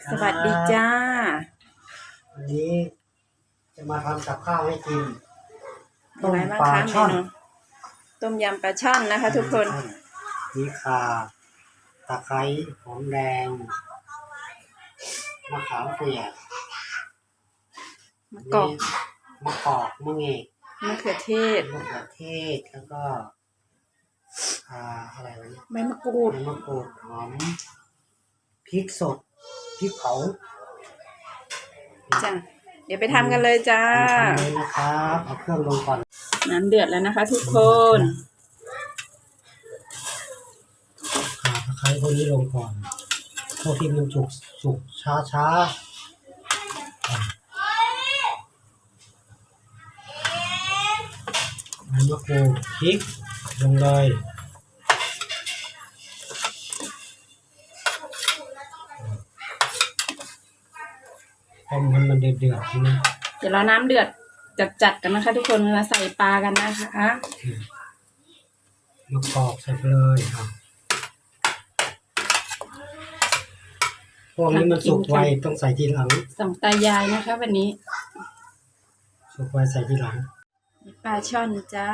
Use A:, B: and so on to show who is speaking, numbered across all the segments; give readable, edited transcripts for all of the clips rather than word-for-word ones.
A: สวัสดีจ้า
B: วันนี้จะมาทำกับข้าวให้กิน
A: ต้มปลาช่อนต้มยำปลาช่อนนะคะทุกคน
B: มีข่าตะไคร้หอมแดงมะขามเปียก
A: มะกอก
B: มะเงก
A: มะเขือเทศ
B: แล้วก็อะไรวะเนี่ย
A: ใบมะกรูด
B: หอมพริกสดพริกเผา
A: จ้ะเดี๋ยวไปทำกันเลยจ้า
B: ทำเลยนะครับเอาเครื่องลงก่อน
A: น้ำเดือดแล้วนะคะทุกคน
B: ข่าตะไคร้พวกนี้ลงก่อนพวกที่มันสุกช้าใบมะกรูดพริกลงเลยต้มมันเดือดๆนะ
A: เดี๋ยวเราน้ำเดือดจัดกันนะคะทุกคนมาใส่ปลากันนะคะ
B: มะกอกใส่ไปเลยครับพวกนี้มันสุกไวต้องใส่ทีหลัง
A: สองตายายนะคะวันนี้
B: สุกไวใส่ทีหลัง
A: ปลาช่อนจ้า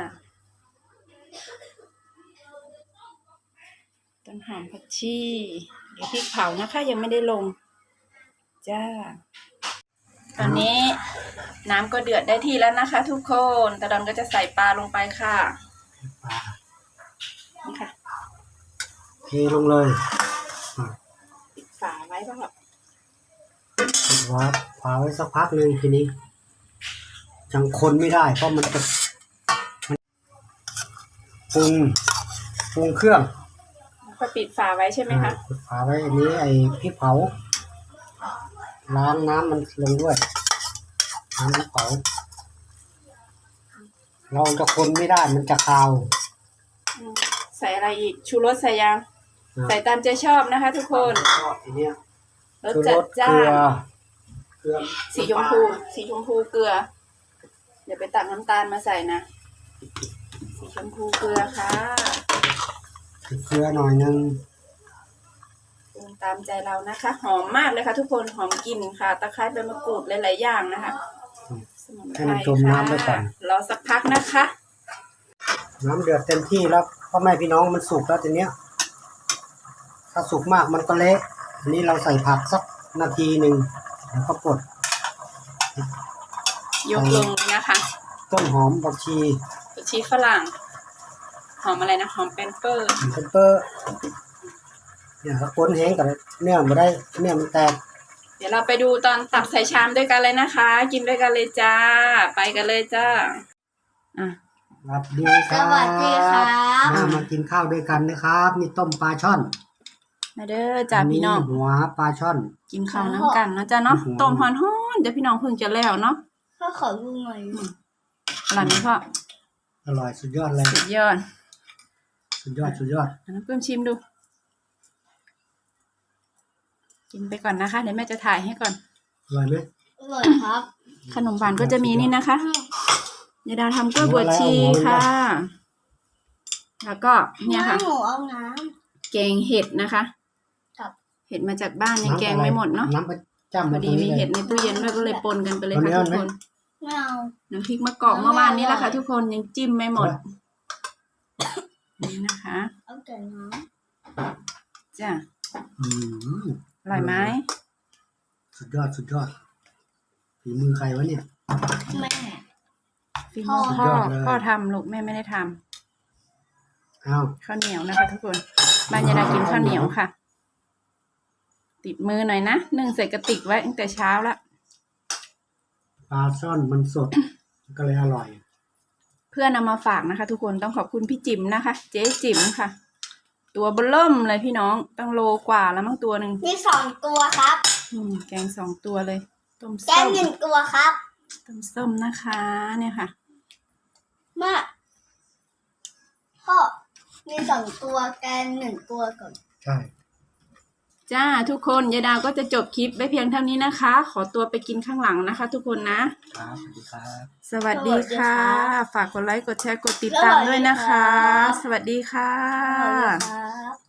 A: ต้นหอมผักชีเดี๋ยวพริกเผานะคะยังไม่ได้ลงจ้าตอนนี้น้ำก็เดือดได้ที่แล้วนะคะทุกคนตาดอนก็จะใส่ปลาลงไปค่ะ
B: ปลา
A: นี่ค่ะ
B: เทลงเลย
A: ปิดฝาไว้ป่ะครับ
B: ปิดฝาไว้สักพักหนึ่งทีนี้ยังคนไม่ได้เพราะมันจะปรุงเครื่อง
A: ก็ปิดฝาไว้ใช่ไหมคะ
B: ปิดฝาไว้อันนี้ไอ้พริกเผาล้างน้ำมันลงด้วยน้ำพริกเผาเราจะคนไม่ได้มันจะคาว
A: ใส่อะไรอีกชูรสใส่ยังใส่ตามใจชอบนะคะทุกคนรสจัดจ้านสีชมพูเกลือเดี๋ยวไปตักน้ำตาลมาใส่นะสีชมพูเกลือค่ะ
B: เกลือหน่อยนึง
A: ตามใจเรานะคะหอมมากเลยค่ะทุกคนหอมกลิ่นค่ะตะไคร้ใบมะกรูดหลายๆอย่างนะคะ
B: ให้มันจมน้ำไปก่อน
A: รอสักพักนะคะ
B: น้ำเดือดเต็มที่แล้วพ่อแม่พี่น้องมันสุกแล้วทีเนี้ยถ้าสุกมากมันก็เละอันนี้เราใส่ผักสักนาทีหนึ่งแล้วก็ปลด
A: ยกลงนะคะ
B: ต้นหอมผัก
A: ชีฝรั่งหอมอะไรนะหอมเปนเปอร์
B: เนี่ยถ้าก้นแห้งกับเนื้อมาได้เนื้อมันแตก
A: เดี๋ยวเราไปดูตอนตักใส่ชามด้วยกันเลยนะคะกินด้วยกันเลยจ้าไปกันเลยจ้า
B: สวัสดีครับมากินข้าวด้วยกันนะครับนี่ต้มปลาช่อน
A: มาเด้อจ้าพี่น้อง
B: หัวปลาช่อน
A: กินข้าวน้ำกันนะจ้าเนาะต้มฮ้อนๆเดี๋ยวพี่น้องเพิ่งจะแล้วเนาะ
C: พ่อขอดูหน่อย
A: อร่อยไหมพ่อ
B: อร่อยสุดยอดเลย
A: สุดยอดน้ำเพิ่มชิมดูกินไปก่อนนะคะเดี๋ยวแม่จะถ่ายให้ก่อน
B: อร่อยไหม
C: อร่อยครับ
A: ขนมหวานก็จะมีนี่นะคะยายดาวทำกล้วยบวชชีค่ะแล้วก็เนี่ยค่ะแกงเห็ดนะคะเห็ดมาจากบ้านยังแกงไม่หมดเนาะพอดีมีเห็ดในตู้เย็นด้วยก็เลยปนกันไปเลยค่ะทุกคนน้ำพริกมะกอกเมื่อวานนี้แหละค่ะทุกคนยังจิ้มไม่หมดนี่นะคะ
C: เอาแต่น้
A: ำจ้ะอร่อยไหม
B: สุดยอดฝีมือใครวะเนี่ย
C: แม่
A: ฝีมือพ่อทำลูกแม่ไม่ได้ทำข้าวเหนียวนะคะทุกคนบ้านยายดากินข้าวเหนียวค่ะติดมือหน่อยนะนึ่งใส่กระติกไว้ตั้งแต่เช้าละ
B: ปลาช่อนมันสดก็เลยอร่อย
A: เพื่อนเอามาฝากนะคะทุกคนต้องขอบคุณพี่จิ๋มนะคะเจ๊จิ๋มค่ะตัวเบิ่มเลยพี่น้องตั้งโลกว่าแล้วมั้งตัวหนึ่ง
C: มี2 ตัวครับ
A: แกง2 ตัวเลยต้มส้ม
C: แกง1 ตัวครับ
A: ต้มส้มนะคะเนี่ยค่ะ
C: มาพ่อมี2 ตัวแกง1 ตัวก่อน
B: ใช่
A: จ้าทุกคนยายดาวก็จะจบคลิปไว้เพียงเท่านี้นะคะขอตัวไปกินข้างหลังนะคะทุกคนนะครับสวัสดีค่ะฝากกดไลค์กดแชร์กดติดตามด้วยนะคะสวัสดีค่ะ